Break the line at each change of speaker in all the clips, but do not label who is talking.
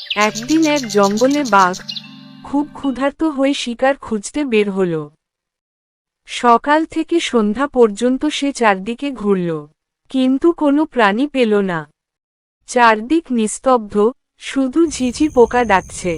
একদিন এক জঙ্গলে বাঘ খুব ক্ষুধার্ত হয়ে শিকার খুঁজতে বের হল। সকাল থেকে সন্ধ্যা পর্যন্ত সে চারদিকে ঘুরল, কিন্তু কোনো প্রাণী পেল না। চারদিক নিস্তব্ধ, শুধু ঝিঝি পোকা ডাকছে।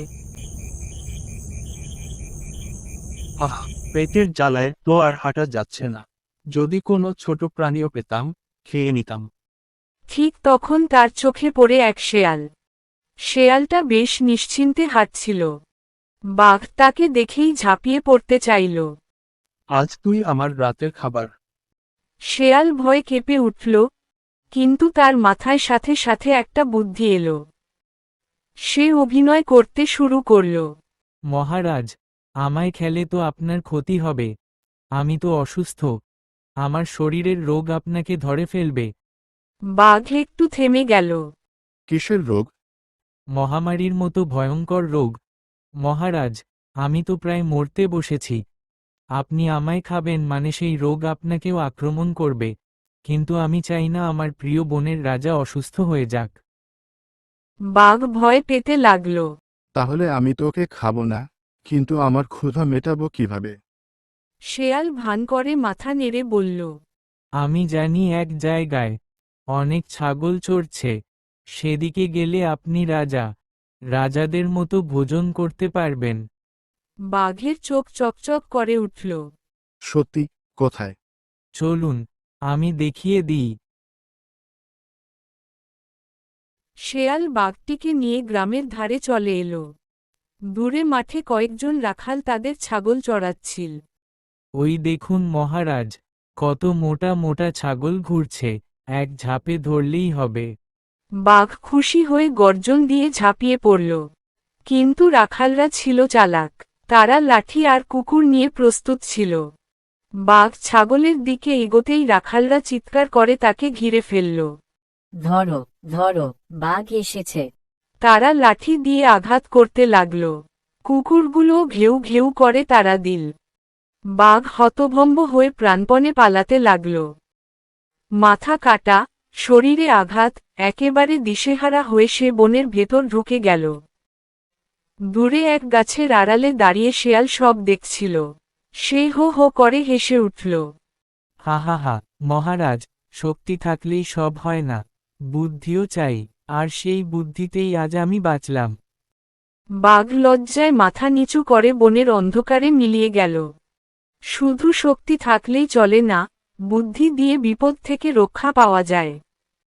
আহ, পেটের জ্বালায় তো আর হাঁটা যাচ্ছে না। যদি কোনো ছোট প্রাণীও পেতাম, খেয়ে নিতাম।
ঠিক তখন তার চোখে পড়ে এক শেয়াল। শেয়ালটা বেশ নিশ্চিন্তে হাঁটছিল। বাঘ তাকে দেখেই ঝাঁপিয়ে পড়তে চাইল।
আজ তুই আমার রাতের খাবার।
শেয়াল ভয়ে কেঁপে উঠল, কিন্তু তার মাথায় সাথে সাথে একটা বুদ্ধি এলো। সে অভিনয় করতে শুরু করল।
মহারাজ, আমায় খেলে তো আপনার ক্ষতি হবে। আমি তো অসুস্থ। আমার শরীরের রোগ আপনাকে ধরে ফেলবে।
বাঘ একটু থেমে গেল।
কিসের রোগ?
মহামারীর মতো ভয়ঙ্কর রোগ। মহারাজ, আমি তো প্রায় মরতে বসেছি। আপনি আমায় খাবেন মানে সেই রোগ আপনাকেও আক্রমণ করবে। কিন্তু আমি চাই না আমার প্রিয় বনের রাজা অসুস্থ হয়ে যাক।
বাঘ ভয় পেতে লাগল।
তাহলে আমি তোকে খাবো না, কিন্তু আমার ক্ষুধা মেটাবো কিভাবে?
শেয়াল ভান করে মাথা নেড়ে বলল,
আমি জানি এক জায়গায় অনেক ছাগল চড়ছে। সেদিকে গেলে আপনি রাজা, রাজাদের মতো ভোজন করতে পারবেন।
বাঘের চোখ চকচক করে উঠল।
সত্যি? কোথায়?
চলুন, আমি দেখিয়ে দিই।
শেয়াল বাঘটিকে নিয়ে গ্রামের ধারে চলে এলো। দূরে মাঠে কয়েকজন রাখাল তাদের ছাগল চড়াচ্ছিল।
ওই দেখুন মহারাজ, কত মোটা মোটা ছাগল ঘুরছে, এক ঝাপে ধরলেই হবে।
বাঘ খুশি হয়ে গর্জন দিয়ে ঝাঁপিয়ে পড়ল। কিন্তু রাখালরা ছিল চালাক। তারা লাঠি আর কুকুর নিয়ে প্রস্তুত ছিল। বাঘ ছাগলের দিকে এগোতেই রাখালরা চিৎকার করে তাকে ঘিরে ফেলল।
ধরো, ধরো, বাঘ এসেছে।
তারা লাঠি দিয়ে আঘাত করতে লাগল। কুকুরগুলো ঘেউ ঘেউ করে তারা দিল। বাঘ হতভম্ব হয়ে প্রাণপণে পালাতে লাগল। মাথা কাটা, শরীরে আঘাত, একেবারে দিশেহারা হয়ে সে বনের ভেতর ঢুকে গেল। দূরে এক গাছের আড়ালে দাঁড়িয়ে শেয়াল সব দেখছিল। সে হো হো করে হেসে উঠল।
হা হা হা, মহারাজ, শক্তি থাকলেই সব হয় না, বুদ্ধিও চাই, আর সেই বুদ্ধিতেই আজ আমি বাঁচলাম।
বাঘ লজ্জায় মাথা নিচু করে বনের অন্ধকারে মিলিয়ে গেল। শুধু শক্তি থাকলেই চলে না, বুদ্ধি দিয়ে বিপদ থেকে রক্ষা পাওয়া যায়।